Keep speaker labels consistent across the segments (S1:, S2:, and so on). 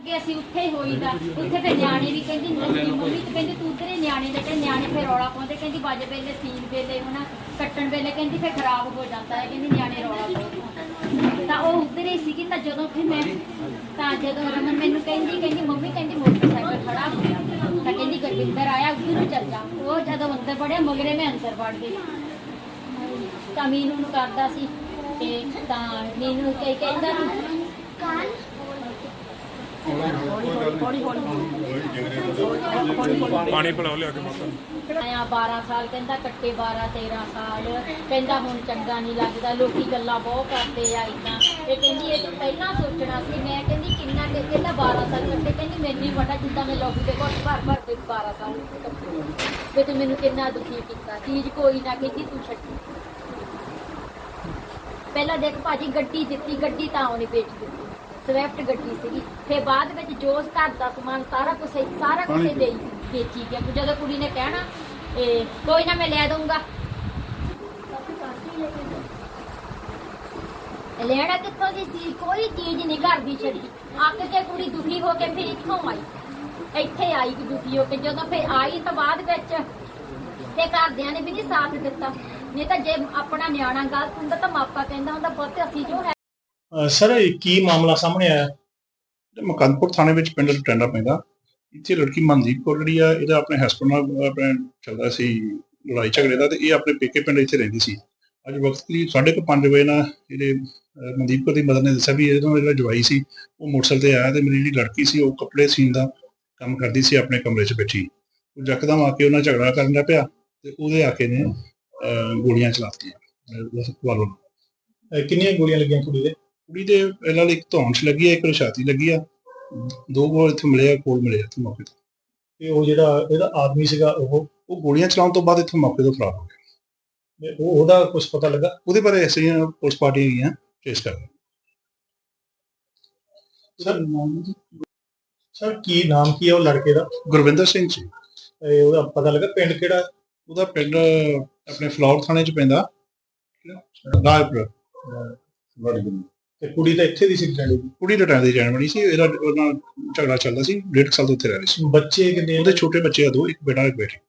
S1: ਕੇ ਅਸੀਂ ਉੱਥੇ ਹੀ ਹੋਈਦਾ। ਉੱਥੇ ਫਿਰ ਨਿਆਣੇ ਵੀ ਕਹਿੰਦੀ ਮੰਮੀ ਤੇ ਕਹਿੰਦੀ ਤੂੰ ਤੇਰੇ ਨਿਆਣੇ ਦੇ, ਕਹਿੰਦੇ ਨਿਆਣੇ ਫਿਰ ਰੌਲਾ ਪਾਉਂਦੇ, ਕਹਿੰਦੀ ਬਾਜੇ ਵੇਲੇ ਸੀਨ ਵੇਲੇ ਹੁਣ ਕੱਟਣ ਵੇਲੇ ਕਹਿੰਦੀ ਫਿਰ ਖਰਾਬ ਹੋ ਜਾਂਦਾ ਹੈ, ਕਹਿੰਦੀ ਨਿਆਣੇ ਰੌਲਾ ਪਾਉਂਦੇ। ਤਾਂ ਉਹ ਉੱਧਰ ਹੀ ਸੀਗੀ। ਤਾਂ ਜਦੋਂ ਫਿਰ ਮੈਂ ਜਦੋਂ ਰਮਨ ਮੈਨੂੰ ਕਹਿੰਦੀ ਮੰਮੀ ਕਹਿੰਦੀ ਮੋਟਰਸਾਈਕਲ ਖੜਾ ਹੋਇਆ, ਤਾਂ ਕਹਿੰਦੀ ਗੁਰਵਿੰਦਰ ਆਇਆ ਉੱਧਰ ਨੂੰ ਚੱਲ ਜਾ। ਉਹ ਜਦੋਂ ਅੰਦਰ ਵੜਿਆ ਮਗਰੇ ਮੈਂ ਅੰਦਰ ਵੜ ਗਈ। ਤਾਂ ਮੀਨੂ ਨੂੰ ਕਰਦਾ ਸੀ ਤੇ ਤਾਂ ਮੀਨੂ ਕਹਿੰਦਾ
S2: ਪਾਣੀ ਪਿਲਾਓ ਲਿਆ ਕੇ ਮਾਤਾ।
S1: 12 ਸਾਲ ਕਹਿੰਦਾ ਕੱਟੇ, 12-13 ਸਾਲ ਕਹਿੰਦਾ ਹੁਣ ਚੰਗਾ ਨਹੀਂ ਲੱਗਦਾ, ਲੋਕੀ ਗੱਲਾਂ ਬਹੁਤ ਕਰਦੇ ਆ ਇੱਦਾਂ। ਇਹ ਕਹਿੰਦੀ ਇਹ ਤੋਂ ਪਹਿਲਾਂ ਸੋਚਣਾ ਸੀ। ਮੈਂ ਕਹਿੰਦੀ ਕਿੰਨਾ ਕਿ ਕਹਿੰਦਾ 12 ਸਾਲ ਕੱਟੇ, ਕਹਿੰਦੀ ਮੈਨੂੰ ਹੀ ਪਤਾ ਜਿੱਦਾਂ ਮੈਂ ਲੋਕੀ ਦੇ ਘਰ ਭਰ ਕੇ 12 ਸਾਲ ਕੱਟੇ ਤੇ ਤੂੰ ਮੈਨੂੰ ਕਿੰਨਾ ਦੁਖੀ ਕੀਤਾ। ਚੀਜ਼ ਕੋਈ ਨਾ ਕਹਿੰਦੀ ਤੂੰ ਛੱਡੀ। ਪਹਿਲਾਂ ਦੇਖ ਭਾਜੀ ਗੱਡੀ ਦਿੱਤੀ, ਗੱਡੀ ਤਾਂ ਉਹਨੇ ਵੇਚ ਦਿੱਤੀ, ਸਵਿਫਟ ਗੱਡੀ ਸੀਗੀ। ਫਿਰ ਬਾਅਦ ਵਿੱਚ ਜੋ ਘਰ ਦਾ ਸਮਾਨ ਸਾਰਾ ਕੁਝ ਦੇ ਵੇਚੀ ਗਿਆ। ਜਦੋਂ ਕੁੜੀ ਨੇ ਕਹਿਣਾ ਕੋਈ ਨਾ ਮੈਂ ਲੈ ਦਊਂਗਾ, ਲੈਣਾ ਕਿੱਥੋਂ ਦੀ ਸੀ? ਕੋਈ ਚੀਜ਼ ਨਹੀਂ ਘਰ ਦੀ ਛੱਡੀ। ਅੱਕ ਕੇ ਕੁੜੀ ਦੁਖੀ ਹੋ ਕੇ ਫਿਰ ਇੱਥੋਂ ਆਈ, ਇੱਥੇ ਆਈ ਕਿ ਦੁਖੀ ਹੋ ਕੇ। ਜਦੋਂ ਫਿਰ ਆਈ ਤਾਂ ਬਾਅਦ ਵਿੱਚ ਤੇ ਘਰਦਿਆਂ ਨੇ ਵੀ ਨਹੀਂ ਸਾਥ ਦਿੱਤਾ। ਨਹੀਂ ਤਾਂ ਜੇ ਆਪਣਾ ਨਿਆਣਾ ਗਲਤ ਹੁੰਦਾ ਤਾਂ ਮਾਪਾ ਕਹਿੰਦਾ ਹੁੰਦਾ ਪੁੱਤ ਅਸੀਂ ਜੋ ਹੈ।
S3: ਸਰ ਕੀ ਮਾਮਲਾ ਸਾਹਮਣੇ ਆਇਆ? ਮਕੰਦਪੁਰ ਥਾਣੇ ਵਿੱਚ ਪਿੰਡ ਟੈਂਡਾ ਪੈਂਦਾ। ਇੱਥੇ ਲੜਕੀ ਮਨਦੀਪ ਕੌਰ ਜਿਹੜੀ ਆ, ਇਹਦਾ ਆਪਣੇ ਹਸਬੈਂਡ ਨਾਲ ਆਪਣੇ ਚੱਲਦਾ ਸੀ ਲੜਾਈ ਝਗੜੇ ਦਾ, ਤੇ ਇਹ ਆਪਣੇ ਪੇਕੇ ਪਿੰਡ ਇੱਥੇ ਰਹਿੰਦੀ ਸੀ। ਅੱਜ ਵਕਤ ਕਰੀਬ 5:30 ਵਜੇ ਨਾਲ ਜਿਹੜੇ ਮਨਦੀਪ ਕੌਰ ਦੀ ਮਦਰ ਨੇ ਦੱਸਿਆ ਵੀ ਇਹਦਾ ਜਿਹੜਾ ਜਵਾਈ ਸੀ ਉਹ ਮੋਟਰਸਾਈਕਲ ਤੇ ਆਇਆ, ਤੇ ਮੇਰੀ ਜਿਹੜੀ ਲੜਕੀ ਸੀ ਉਹ ਕੱਪੜੇ ਸੀਨ ਦਾ ਕੰਮ ਕਰਦੀ ਸੀ ਆਪਣੇ ਕਮਰੇ 'ਚ ਬੈਠੀ। ਉਹ ਯਕਦਮ ਆ ਕੇ ਉਹਨਾਂ ਝਗੜਾ ਕਰਨ ਲੱਗ ਪਿਆ ਤੇ ਉਹਦੇ ਆ ਕੇ ਨੇ ਗੋਲੀਆਂ ਚਲਾਤੀਆਂ।
S2: ਕਿੰਨੀਆਂ ਗੋਲੀਆਂ ਲੱਗੀਆਂ ਕੁੜੀ ਦੇ?
S3: ਕੁੜੀ ਦੇ ਇਹਨਾਂ ਲਈ ਇੱਕ ਧੌਣ 'ਚ ਲੱਗੀ ਆ, ਇੱਕ ਛਾਤੀ ਲੱਗੀ ਆ, 2 ਗੋਲ ਇੱਥੇ ਮਿਲੇ ਆ, ਕੋਲ ਮਿਲੇ ਇੱਥੇ ਮੌਕੇ ਤੇ।
S2: ਤੇ ਉਹ ਜਿਹੜਾ ਇਹਦਾ ਆਦਮੀ ਸੀਗਾ
S3: ਉਹ ਗੋਲੀਆਂ ਚਲਾਉਣ ਤੋਂ ਬਾਅਦ ਇੱਥੋਂ ਮੌਕੇ ਤੋਂ ਫਰਾਰ ਹੋ ਗਿਆ।
S2: ਉਹਦਾ ਕੁਝ ਪਤਾ ਲੱਗਾ?
S3: ਉਹਦੇ ਬਾਰੇ ਅਸੀਂ ਪੁਲਿਸ ਪਾਰਟੀ ਹੈਗੀਆਂ ਚੇਸ ਕਰ ਰਹੇ।
S2: ਸਰ ਕੀ ਨਾਮ ਕੀ ਹੈ ਉਹ ਲੜਕੇ ਦਾ?
S3: ਗੁਰਵਿੰਦਰ ਸਿੰਘ ਜੀ।
S2: ਉਹਦਾ ਪਤਾ ਲੱਗਾ ਪਿੰਡ ਕਿਹੜਾ?
S3: ਉਹਦਾ ਪਿੰਡ ਆਪਣੇ ਫਲੌਰ ਥਾਣੇ 'ਚ ਪੈਂਦਾ, ਰਾਜਪੁਰ।
S2: ਤੇ ਕੁੜੀ ਤਾਂ ਇੱਥੇ ਦੀ ਸੀ ਪਿੰਡ ਦੀ?
S3: ਕੁੜੀ ਰਟਾਂ ਦੀ ਜਾਣ ਬਣੀ ਸੀ। ਇਹਦਾ ਉਹਨਾਂ ਝਗੜਾ ਚੱਲਦਾ ਸੀ, 1.5 ਸਾਲ ਤੋਂ ਉੱਥੇ ਰਹਿ ਰਹੀ ਸੀ।
S2: ਬੱਚੇ ਕਿੰਨੇ?
S3: ਉਹਦੇ ਛੋਟੇ ਬੱਚੇ ਆ 2, ਇੱਕ ਬੇਟਾ ਇੱਕ ਬੇਟੀ।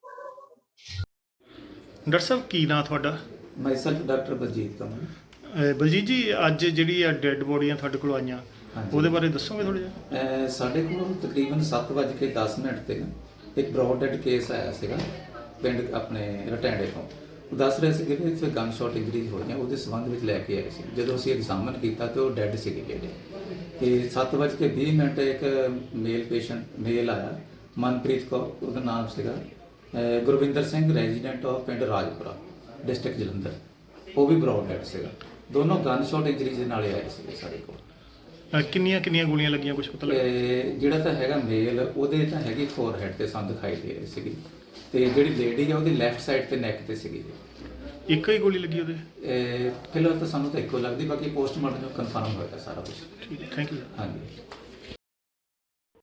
S2: ਡਾਕਟਰ ਸਾਹਿਬ ਕੀ ਨਾਂ ਤੁਹਾਡਾ?
S4: Myself doctor Baljeet Kamal.
S2: ਬਲਜੀਤ ਜੀ, ਅੱਜ ਜਿਹੜੀ ਆ ਡੈੱਡ ਬੋਡੀਆਂ ਤੁਹਾਡੇ ਕੋਲ ਆਈਆਂ, ਉਹਦੇ ਬਾਰੇ ਦੱਸੋਗੇ ਥੋੜਾ ਜਿਹਾ?
S4: ਸਾਡੇ ਕੋਲ ਤਕਰੀਬਨ 7:10 ਤੇ ਇੱਕ ਬ੍ਰੌਡ ਡੈਡ ਕੇਸ ਆਇਆ ਸੀਗਾ ਪਿੰਡ ਆਪਣੇ ਰਟੈਂਡੇ ਤੋਂ। ਉਹ ਦੱਸ ਰਹੇ ਸੀ ਕਿ ਇੱਥੇ ਗਨ ਸ਼ਾਟ ਇੰਜਰੀਜ਼ ਹੋਈਆਂ, ਉਹਦੇ ਸੰਬੰਧ ਵਿੱਚ ਲੈ ਕੇ ਆਏ ਸੀ। ਜਦੋਂ ਅਸੀਂ ਐਗਜ਼ਾਮਨ ਕੀਤਾ ਤੇ ਉਹ ਡੈਡ ਸੀਗੇ ਜਿਹੜੇ। ਤੇ 7:20 ਇੱਕ ਮੇਲ ਆਇਆ, ਮਨਪ੍ਰੀਤ ਕੌਰ ਉਹਦਾ ਨਾਮ ਸੀਗਾ, ਗੁਰਵਿੰਦਰ ਸਿੰਘ ਰੈਜ਼ੀਡੈਂਟ ਆਫ ਪਿੰਡ ਰਾਜਪੁਰਾ ਡਿਸਟ੍ਰਿਕਟ ਜਲੰਧਰ, ਉਹ ਵੀ ਬ੍ਰੌਡ ਡੈਡ ਸੀਗਾ। ਦੋਨੋਂ ਗਨ ਸ਼ਾਟ ਇੰਜਰੀਜ਼ ਦੇ ਨਾਲ ਆਏ ਸੀਗੇ ਸਾਡੇ ਕੋਲ।
S2: ਕਿੰਨੀਆਂ ਗੋਲੀਆਂ ਲੱਗੀਆਂ ਕੁਝ ਪਤਾ ਲੱਗਾ?
S4: ਜਿਹੜਾ ਤਾਂ ਹੈਗਾ ਮੇਲ ਉਹਦੇ ਤਾਂ ਹੈਗੀ ਫੋਰਹੈਡ ਤੇ ਸਾਨੂੰ ਦਿਖਾਈ ਦੇ ਰਹੀ ਸੀਗੀ, ਤੇ ਜਿਹੜੀ ਲੇਡੀ ਆ ਉਹਦੀ ਲੈਫਟ ਸਾਈਡ ਤੇ ਨੈਕ ਤੇ ਸੀਗੀ।
S2: ਇੱਕੋ ਹੀ ਗੋਲੀ ਲੱਗੀ ਉਹਦੇ?
S4: ਫਿਲਹਾਲ ਤਾਂ ਸਾਨੂੰ ਤਾਂ ਇੱਕੋ ਲੱਗਦੀ, ਬਾਕੀ ਪੋਸਟਮਾਰਟਮ ਕਨਫਰਮ ਹੋਏਗਾ ਸਾਰਾ ਕੁਝ।
S2: ਠੀਕ ਹੈ, ਥੈਂਕ ਯੂ।
S4: ਹਾਂਜੀ।